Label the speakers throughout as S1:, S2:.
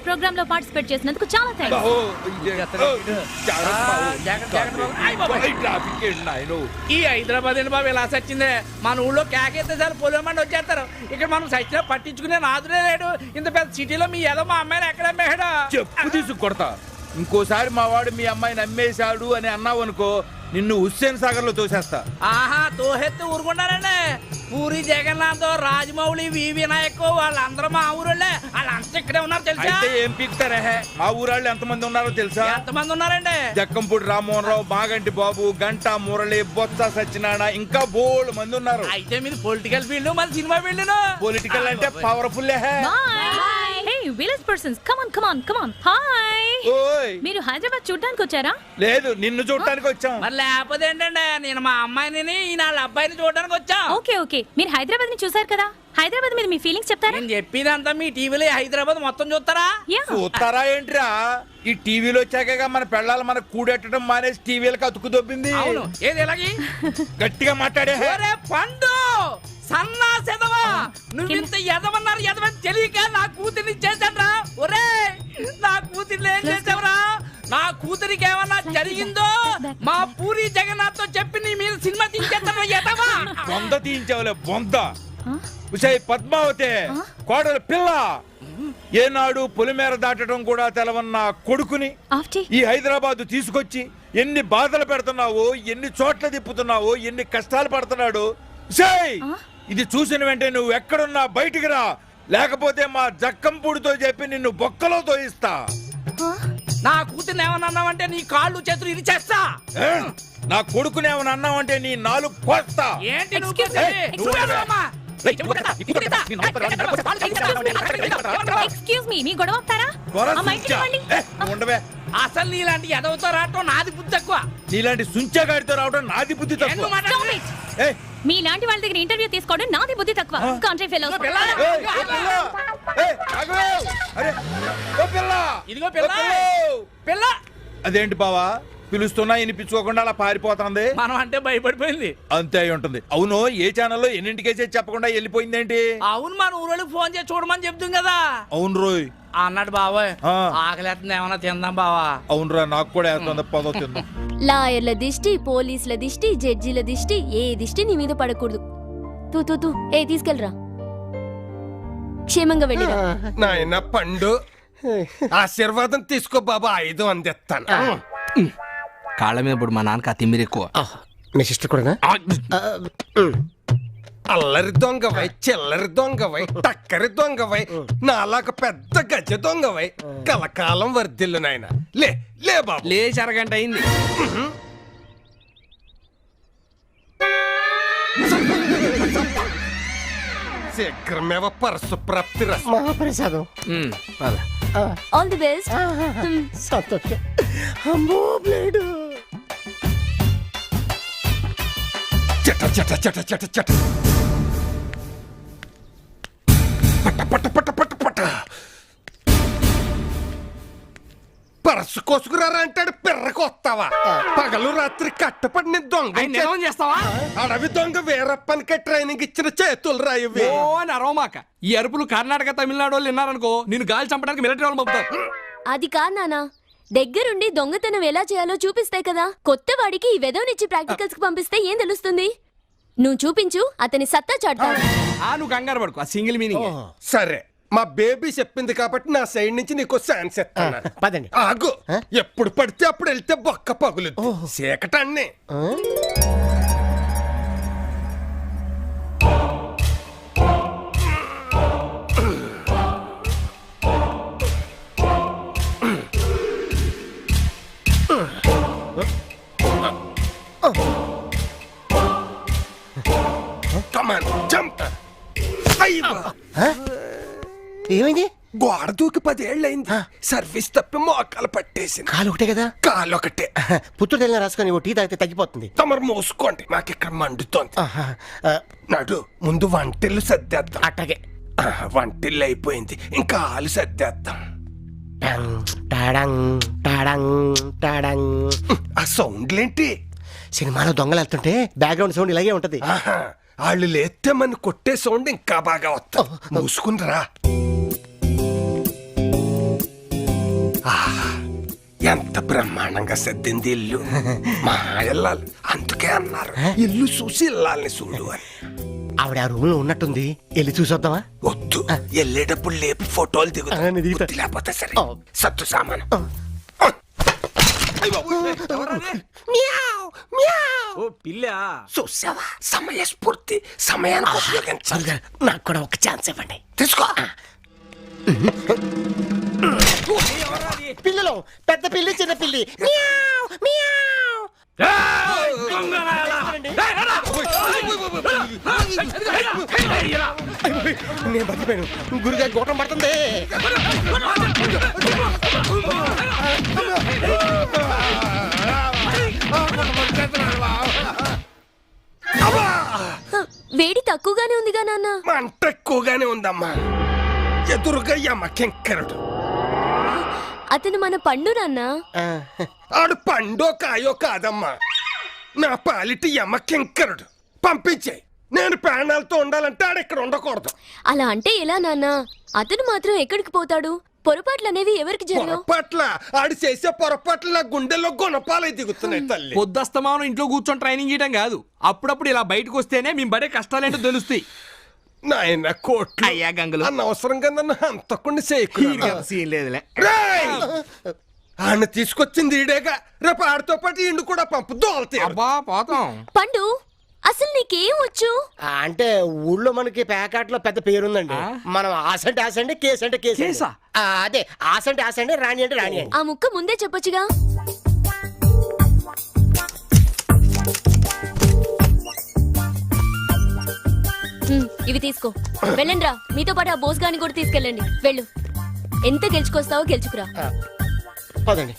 S1: Programme లో participate చేసినందుకు చాలా థాంక్స్.
S2: ఈ హైదరాబాద్ ఏంటి బాబు ఇలా సచ్చిందే? మన ఊళ్ళో కేకేస్తే చాలు పొలమండి వచ్చేస్తారు. ఇక్కడ మనం సచ్చినా పట్టించుకునే నాదులే లేడు. ఇంత పెద్ద సిటీలో మీ ఏదో మా అమ్మాయిని ఎక్కడ అమ్మేడా?
S3: చెప్పు తీసుకు కొడతా. ఇంకోసారి మా వాడు మీ అమ్మాయిని అమ్మేశాడు అని అన్నావు అనుకో, నిన్ను హుస్సేన్ సాగర్ లో తోసేస్తా.
S2: ఆహా, తోహెత్తి ఊరుకుంటారండి. పూరి జగన్నాథ్, రాజమౌళి, వి వినాయక్ వాళ్ళందరూ మా ఊరోళ్ళే. వాళ్ళంతా ఇక్కడే ఉన్నారు తెలుసా?
S3: అయితే ఏం పీకుతారే? మా ఊరాళ్ళు ఎంతమంది ఉన్నారో తెలుసా?
S2: ఎంతమంది ఉన్నారండి?
S3: జక్కంపూడి రామ్మోహన్ రావు, మాగంటి బాబు, గంటా మురళి, బొత్స సత్యనారాయణ, ఇంకా బోల్డ్ మంది ఉన్నారు.
S2: అయితే మీరు పొలిటికల్ ఫీల్డ్, మన సినిమా ఫీల్డ్.
S3: పొలిటికల్ అంటే powerful.
S1: Hey village persons, come on. Hi.
S3: ఓయ్,
S1: మీరు హైదరాబాద్ చూడడానికి వచ్చారా?
S3: లేదు, నిన్ను చూడటానికి వచ్చాం.
S2: మరి లేకపోతే ఏంటండి, నేను మా అమ్మాయిని వాళ్ళ అబ్బాయిని చూడడానికి వచ్చా.
S1: ఓకే మీరు హైదరాబాద్ ని చూసారు కదా, హైదరాబాద్ మీద మీ ఫీలింగ్స్ చెప్తారా?
S2: నేను చెప్పేదంతా మీ టీవీలో హైదరాబాద్ మొత్తం చూస్తారా?
S3: చూస్తారా ఏంట్రా? ఈ టీవీలో వచ్చాక మన పెళ్ళాలి మనకు కూడెట్టడం మానేసి టీవీలకు అతుకు దొబ్బింది.
S2: అవును, ఏది ఎలాగి
S3: గట్టిగా మాట్లాడే.
S2: పండు సన్నా సెదవా, నువ్వింత ఎదవన్నారు ఎదవని తెలియక నా కూతుర్ని చేశాడ్రా. ఒరే, నా కూతుర్ని ఏం చేసావురా? నా కూతురికి ఏమన్నా జరిగిందో మా పూరి జగన్నాథ్ తో చెప్పి నీ మీద సినిమా తీయించేస్తాను. ఎదవా
S3: బొంద తీయించావులే బొంద. ఉషయ్ పద్మావతి కోడలు పిల్ల, ఏనాడు పొలిమేర దాటడం కూడా తెలవన్న కొడుకుని ఈ హైదరాబాద్ తీసుకొచ్చి ఎన్ని బాధలు పెడుతున్నావో, ఎన్ని చోట్ల తిప్పుతున్నావో, ఎన్ని కష్టాలు పడుతున్నాడు. ఉషయ్, ఇది చూసిన వెంటనే నువ్వు ఎక్కడున్నా బయటికి రా, లేకపోతే మా జక్కంపూడితో చెప్పి నిన్ను బొక్కలో తోయిస్తా.
S2: నా కూతుర్ని ఏమన్నా అన్నావంటే నీ కాళ్ళు చేతులు ఇది చేస్తా.
S3: నా కొడుకుని ఏమన్నా అన్నావంటే నీ నాలుగు కోస్తా.
S2: ఏంటి
S1: ఎక్స్క్యూజ్ మీ, మీ గొడవ అవుతారా?
S3: ఉండవే.
S2: అసలు నీలాంటి ఎదవుతో రావటం నాది బుద్ధి తక్కువ.
S3: నీలాంటి సుంచగాడితో రావడం నాది బుద్ధి తక్కువ.
S1: మీలాంటి వాళ్ళ దగ్గర ఇంటర్వ్యూ తీసుకోవడం నాది బుద్ధి తక్కువ. Country fellows.
S2: ఇదిగో పిల్ల.
S3: అదేంటి బావా, పిలుస్తున్నా వినిపించుకోకుండా అలా పారిపోతుంది?
S2: మనం అంటే భయపడిపోయింది.
S3: అంతే అయి ఉంటుంది. అవును, ఏ ఛానల్లో ఎన్నింటికేసే చెప్పకుండా వెళ్ళిపోయిందేంటి?
S2: అవును, మన ఊరోళ్ళకి ఫోన్ చేసి చూడమని చెప్తుంది కదా.
S3: అవును రోయ్
S2: అన్నాడు బాబాయ్. ఆకలేస్తుంది, ఏమన్నా తిందాం బావా.
S3: అవునురా, నాకు కూడా వేస్తుంది. పదో తిందాం.
S4: లాయర్ల దిష్టి, పోలీసుల దిష్టి, జడ్జిల దిష్టి, ఏ దిష్టి నీ మీద పడకూడదు. తూ తీసుకెళ్ళరా, క్షేమంగా వెళ్ళిరా.
S5: నాయన పండు, ఆశీర్వాదం తీసుకో బాబా, 5 అందిస్తాను.
S2: కాళ్ళ మీద ఇప్పుడు మా నాన్నకి ఆ తిమ్మిరి ఎక్కువ.
S5: మీ సిస్టర్ కూడా అల్లరి దొంగవై, చిల్లరి దొంగవై, టక్కరి దొంగవై, నాలాగ పెద్ద గజ దొంగవై కలకాలం వర్ధిల్లు నాయన. లే బాబు,
S2: లేచి అరగంట అయింది.
S5: శీఘ్రమేవ పరసు ప్రాప్తి మహాప్రసాదం.
S4: All the best.
S5: సంతోషం. అమ్మో బ్లేడు. చట చట చట చట చట పట పట పట పట పట. పరసు కోసుకురారా అంటాడు, పిర్రకు వస్తావా? పగలు రాత్రి కట్టపడిన దొంగ
S2: చేస్తావా?
S5: అడవి దొంగ వీరప్పనికే ట్రైనింగ్ ఇచ్చిన చేతులు రాయవి.
S2: ఓ నరవమాక, ఈ అరుపులు కర్ణాటక తమిళనాడు వాళ్ళు విన్నారనుకో, నేను గాలి చంపడానికి మిలిటరీ వాళ్ళు పంపుతారు.
S4: అది కాదు నానా, దగ్గరుండి దొంగతనం ఎలా చేయాలో చూపిస్తాయి కదా. కొత్త వాడికి ఈ వెదవనిచ్చి ప్రాక్టికల్స్ కి పంపిస్తే ఏం తెలుస్తుంది? నువ్వు చూపించు, అతని సత్తా చాటుతాడు.
S2: నువ్వు కంగారు పడుకో, ఆ సింగిల్ మీనింగ్.
S5: సరే, మా బేబీ చెప్పింది కాబట్టి నా సైడ్ నుంచి నీకు ఛాన్స్ ఇస్తాను. పదండి. ఆగు, ఎప్పుడు పడితే అప్పుడు వెళ్తే బొక్క పగులు చీకటాన్ని.
S6: ఏమైంది?
S5: గోడ దూకి 10 ఏళ్ళైంది. సర్వీస్ తప్పి మోకాలు పట్టేసింది.
S6: కాలు ఒకటే కదా?
S5: కాలు ఒకటే.
S6: పుత్తూరు తెల్ల రాసుకొని ఓ టీ తాగితే తగ్గిపోతుంది.
S5: తమరు మోసుకోండి, మాకు ఇక్కడ మండుతోంది. నడు, ముందు వంటిల్లు సర్దేద్దాం.
S6: అట్టగే.
S5: వంటిల్లు అయిపోయింది, ఇంకా ఆలు సర్దేద్దాం. ఆ సౌండ్లేంటి?
S6: సినిమాలో దొంగలు వెళ్తుంటే బ్యాక్గ్రౌండ్ సౌండ్ ఇలాగే ఉంటది.
S5: వాళ్ళు లేస్తే మన కొట్టే సౌండ్ ఇంకా బాగా వస్తా. మూసుకుందిరా. ఎంత బ్రహ్మాండంగా సర్దింది ఇల్లు. మా ఇల్లాలు అందుకే అన్నారు ఇల్లు చూసి ఇల్లాలని చూడు అని.
S6: ఆవిడ ఆ రూమ్ లో ఉన్నట్టుంది, వెళ్ళి చూసొద్దామా?
S5: వద్దు, వెళ్ళేటప్పుడు లేపి ఫోటోలు
S6: ఆ, నేను దిగుతా.
S5: దిగుతా లేకపోతే సరే
S6: ఆ.
S5: సత్తు సామాను.
S2: ఓ పిల్ల
S5: చూసావా, సమయస్ఫూర్తి, సమయానికి ఉపయోగించాలి.
S6: నాకు కూడా ఒక ఛాన్స్ ఇవ్వండి.
S5: తీసుకో.
S6: పిల్లలు, పెద్ద పిల్లి చిన్న పిల్లి. మియావ్, మియావ్. నేను బతికిపోయాను, గురుగారి గోటం పడుతుంది.
S4: వేడి తక్కువగానే ఉందిగా నాన్న.
S5: మంట ఎక్కువగానే ఉందమ్మా. ఎదురుగా యమ్మ కింకరుడు.
S4: అతను మన పండు నాన్న.
S6: ఆ,
S5: ఆడు పండో కాయో కాదమ్మా, నా పాలిటి యమ్మ కింకరుడు. పంపించే, నేను ప్రాణాలతో ఉండాలంటే ఆడు ఇక్కడ ఉండకూడదు.
S4: అలా అంటే ఎలా నాన్న? అతను మాత్రం ఎక్కడికి పోతాడు? పొరపాట్లు అనేవి ఎవరికి జరగవు.
S5: పొరపాట్ల ఆడు చేసే పొరపాట్లు నా గుండెల్లో గుణపాలై దిగుతున్నాయి తల్లి.
S2: పొద్దుస్తమానం ఇంట్లో కూర్చొని ట్రైనింగ్ చేయడం కాదు, అప్పుడప్పుడు ఇలా బయటకు వస్తేనే మేము పడే కష్టాలేంటో తెలుస్తాయి.
S5: నాయన కోట్లు
S2: అయ్యా గంగులు
S5: అనవసరంగా నన్ను హంతకుండా చేయకు.
S2: సీన్ లేదులే.
S5: ఆయన తీసుకొచ్చింది ఈడేగా, రేపు ఆడితో పాటు ఇండు కూడా పంపు దోలతాయి.
S2: అబ్బా పోతాం.
S4: పండు, అసలు నీకేం వచ్చు?
S6: అంటే ఊళ్ళో మనకి ప్యాకెట్లో పెద్ద పేరుందండి. మనం ఆసంటే ఆసండి, కేసు అంటే కేసు.
S2: కేసా?
S6: అదే ఆసంటే ఆసండి, రాణి అంటే రాణి అండి.
S4: ఆ ముక్క ముందే చెప్పొచ్చుగా. ఇవి తీసుకో, వెళ్ళండి రా. మీతో పాటు ఆ బోస్ గాని కూడా తీసుకెళ్ళండి. వెళ్ళు, ఎంత గెలుచుకొస్తావో గెలుచుకురా.
S6: పదండి.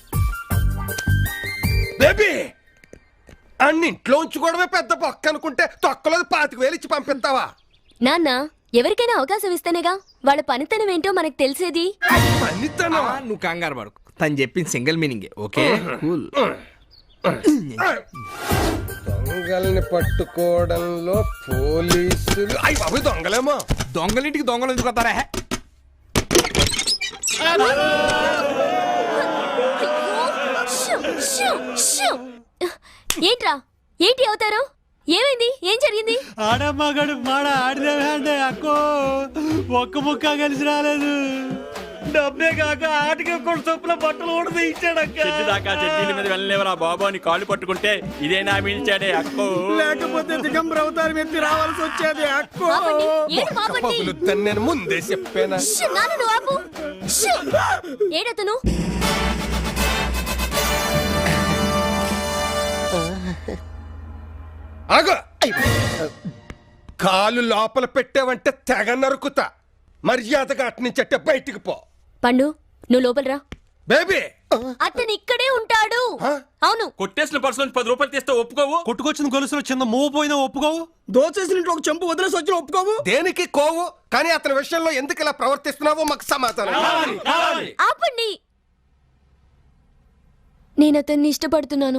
S5: బేబీ, అన్ని ఇంట్లో ఉంచుకోవడమే పెద్ద పక్క అనుకుంటే తొక్కలో 25,000 ఇచ్చి పంపిస్తావా?
S4: నాన్న, ఎవరికైనా అవకాశం ఇస్తేనేగా వాళ్ళ పనితనం ఏంటో మనకు తెలిసేది.
S5: పనితనం
S2: నువ్వు కంగారు పడకు, తను చెప్పింది సింగిల్ మీనింగే. Okay cool.
S5: దొంగల్ని పట్టుకోవడంలో పోలీసులు అయ్యి బాబు దొంగలేమో.
S2: దొంగలింటికి దొంగలు ఎందుకు వస్తారా?
S4: షూ, షూ, షూ. ఏంట్రా, ఏంటి అవుతారు? ఏమైంది? ఏం జరిగింది?
S7: ఆడమ్మగాడు మాడ ఆడిదే అక్కో, ఒక్క ముక్క కలిసి రాలేదు. డబ్బే కాక ఆటకి కూడా చొప్పున బట్టలు కూడా ఇచ్చాడక్క.
S8: దాకా చెడ్డీల మీద వెళ్ళలేవరా బాబు అని కాళ్ళు పట్టుకుంటే ఇదేనా మిల్చాడే అక్కో.
S7: లేకపోతే దిగంబర అవతారం ఎత్తి రావాల్సి వచ్చేది అక్కో.
S4: ఆపండి, ఏంటి ఆపండి?
S5: పగులుద్దని నేను ముందే చెప్పానా?
S4: షూ, నాన్న నువ్వు ఆపు. షూ. ఏడతను?
S5: ఆగు! కాలు లోపల పెట్టావంటే తెగ నరుకుతా. మర్యాదగా అట్నుంచట్టే బయటికి పో.
S4: పండు, నువ్వు లోపల రా.
S5: బేబీ,
S4: అతను ఇక్కడే ఉంటాడు. అవును.
S8: కొట్టేసిన పర్సు నుంచి 10 రూపాయలు తీస్తే ఒప్పుకోవు.
S7: కొట్టుకొచ్చిన గొలుసులో చిన్న మూవ్ పోయినా ఒప్పుకోవు.
S2: దోచేసిన ఇంట్లో ఒక చెంపు వదిలేసి వచ్చిన ఒప్పుకోవు.
S5: దేనికి కోవు? కానీ అతని విషయంలో ఎందుకు ఇలా ప్రవర్తిస్తున్నావో మాకు సమాధానం కావాలి.
S4: ఆపండి, నేను అతన్ని ఇష్టపడుతున్నాను.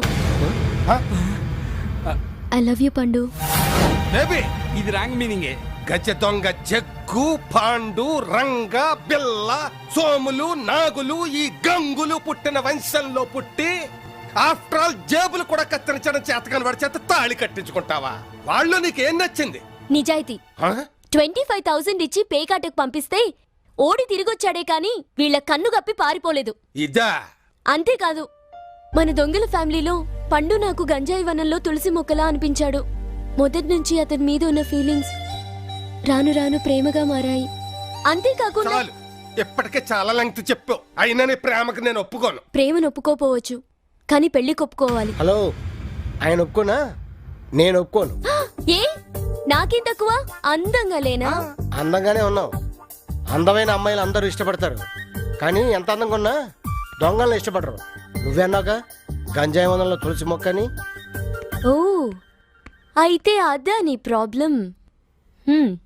S4: ఐ లవ్ యూ పండు.
S5: బేబీ,
S2: ఇది రాంగ్ మీనింగే.
S5: గజ దొంగ జగ్గు, పాండు, రంగ, బిల్ల, సోములు, నాగులు, ఈ గంగులు పుట్టిన వంశంలో పుట్టి ఆఫ్టర్ ఆల్ జేబులు కూడా కత్తిరించడం చేతకాని వాడి చేత తాళి కట్టించుకుంటావా? వాళ్ళు నీకేం నచ్చింది?
S4: నిజాయితీ.
S5: హ?
S4: 25,000 ఇచ్చి పేకాటకు పంపిస్తే ఓడి తిరిగొచ్చాడే కాని వీళ్ళ కన్ను గప్పి పారిపోలేదు.
S5: ఇదా?
S4: అంతేకాదు, మన దొంగల ఫ్యామిలీలో పండు నాకు గంజాయి వనంలో తులసి మొక్కలా అనిపించాడు. మొదటి నుంచి అతని మీద ఉన్న ఫీలింగ్స్ రాను రాను ప్రేమగా మారాయి. అంతేకాకుండా
S5: చాలు, ఇప్పటికే చాలా లెంగ్త్ చెప్పావు. అయినా నీ ప్రేమకు నేను ఒప్పుకోను.
S4: ప్రేమను ఒప్పుకోపోవచ్చు, కానీ పెళ్లి కొప్పుకోవాలి.
S6: హలో, ఆయన ఒప్పుకోనా? నేను ఒప్పుకోను.
S4: ఏ, నాకేం తక్కువ? అందంగా లేనా?
S6: అందంగానే ఉన్నావు. అందమైన అమ్మాయిలు అందరూ ఇష్టపడతారు, కానీ ఎంత అందంగా ఉన్నా దొంగలను ఇష్టపడరు. నువ్వన్నాక గంజాయి వనంలో తులసి మొక్కని.
S4: ఓ, అయితే అదా నీ ప్రాబ్లం.